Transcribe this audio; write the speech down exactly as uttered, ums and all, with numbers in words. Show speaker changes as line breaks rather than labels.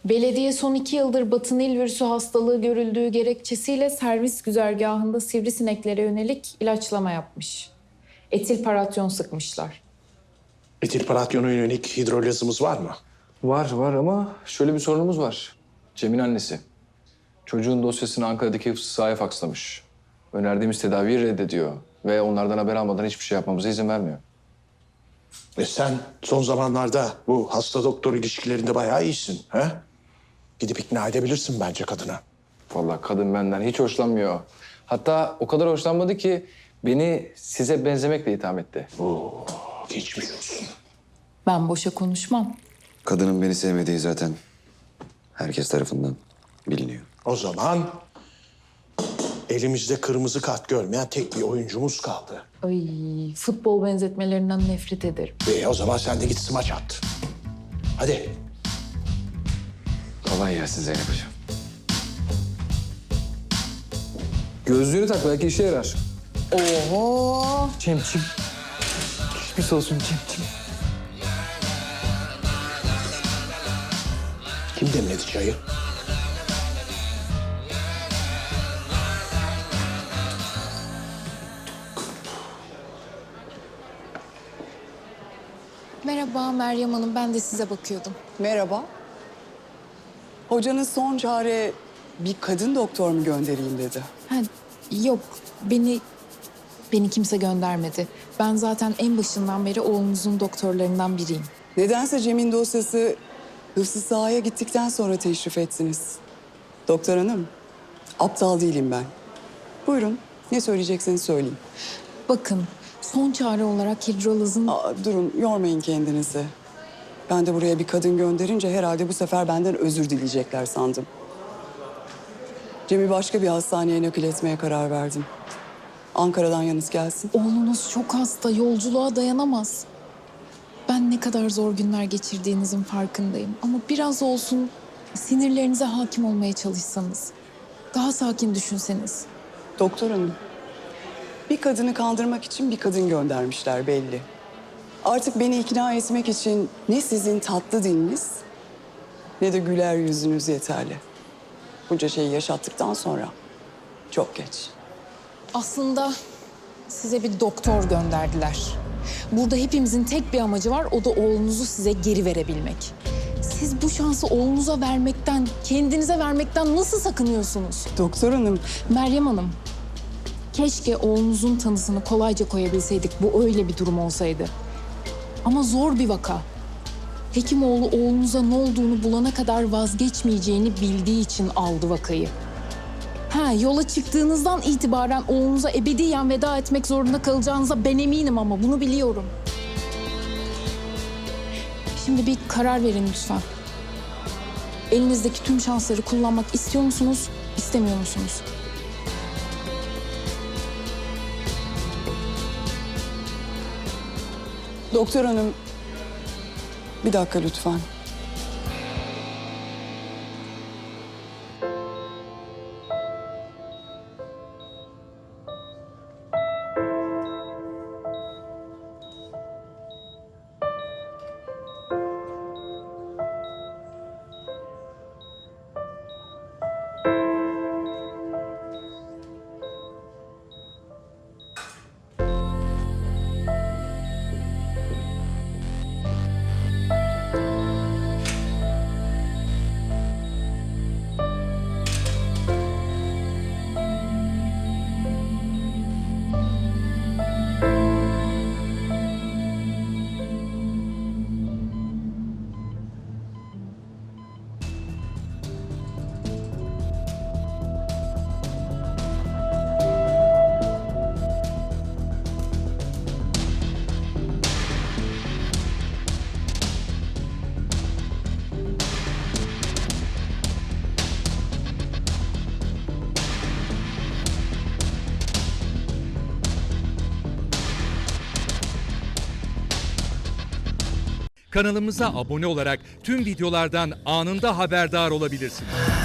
Belediye son iki yıldır Batı Nil virüsü hastalığı görüldüğü gerekçesiyle servis güzergahında sivrisineklere yönelik ilaçlama yapmış. Etil paratyon sıkmışlar.
Etil paratyona yönelik hidrolizimiz var mı?
Var var ama şöyle bir sorunumuz var. Cem'in annesi. Çocuğun dosyasını Ankara'daki hıfzı sahaya fakslamış. Önerdiğimiz tedaviyi reddediyor. Ve onlardan haber almadan hiçbir şey yapmamıza izin vermiyor.
E sen son zamanlarda bu hasta doktor ilişkilerinde bayağı iyisin. He? Gidip ikna edebilirsin bence kadına.
Vallahi kadın benden hiç hoşlanmıyor. Hatta o kadar hoşlanmadı ki beni size benzemekle itham etti.
Oo, geçmiş olsun.
Ben boşa konuşmam.
Kadının beni sevmediği zaten herkes tarafından biliniyor.
O zaman elimizde kırmızı kart görmeyen tek bir oyuncumuz kaldı.
Ay, futbol benzetmelerinden nefret ederim.
E o zaman sen de git smaç at. Hadi.
Kolay gelsin Zeynep Hocam. Gözlüğünü tak belki işe yarar.
Oho!
Cem'ciğim. Geçmiş olsun Cem'ciğim.
Kim demledi çayı?
Merhaba Meryem Hanım, ben de size bakıyordum.
Merhaba. Hocanız son çare bir kadın doktor mu göndereyim dedi.
Ha, yok, beni beni kimse göndermedi. Ben zaten en başından beri oğlunuzun doktorlarından biriyim.
Nedense Cem'in dosyası hıfzı sahaya gittikten sonra teşrif ettiniz. Doktor hanım, aptal değilim ben. Buyurun, ne söyleyecekseniz söyleyin.
Bakın, son çare olarak hidrolazın...
Aa, durun, yormayın kendinizi. Ben de buraya bir kadın gönderince herhalde bu sefer benden özür dileyecekler sandım. Cem'i başka bir hastaneye nakil etmeye karar verdim. Ankara'dan yalnız gelsin.
Oğlunuz çok hasta, yolculuğa dayanamaz. Ben ne kadar zor günler geçirdiğinizin farkındayım. Ama biraz olsun sinirlerinize hakim olmaya çalışsanız. Daha sakin düşünseniz.
Doktor hanım, bir kadını kandırmak için bir kadın göndermişler belli. Artık beni ikna etmek için ne sizin tatlı diliniz ne de güler yüzünüz yeterli. Bunca şeyi yaşattıktan sonra çok geç.
Aslında size bir doktor gönderdiler. Burada hepimizin tek bir amacı var, o da oğlunuzu size geri verebilmek. Siz bu şansı oğlunuza vermekten, kendinize vermekten nasıl sakınıyorsunuz?
Doktor hanım,
Meryem Hanım, keşke oğlunuzun tanısını kolayca koyabilseydik. Bu öyle bir durum olsaydı. Ama zor bir vaka. Hekimoğlu oğlunuza ne olduğunu bulana kadar vazgeçmeyeceğini bildiği için aldı vakayı. Ha, yola çıktığınızdan itibaren oğlunuza ebediyen veda etmek zorunda kalacağınıza ben eminim ama bunu biliyorum. Şimdi bir karar verin lütfen. Elinizdeki tüm şansları kullanmak istiyor musunuz, istemiyor musunuz?
doktor hanım, bir dakika lütfen.
Kanalımıza abone olarak tüm videolardan anında haberdar olabilirsiniz.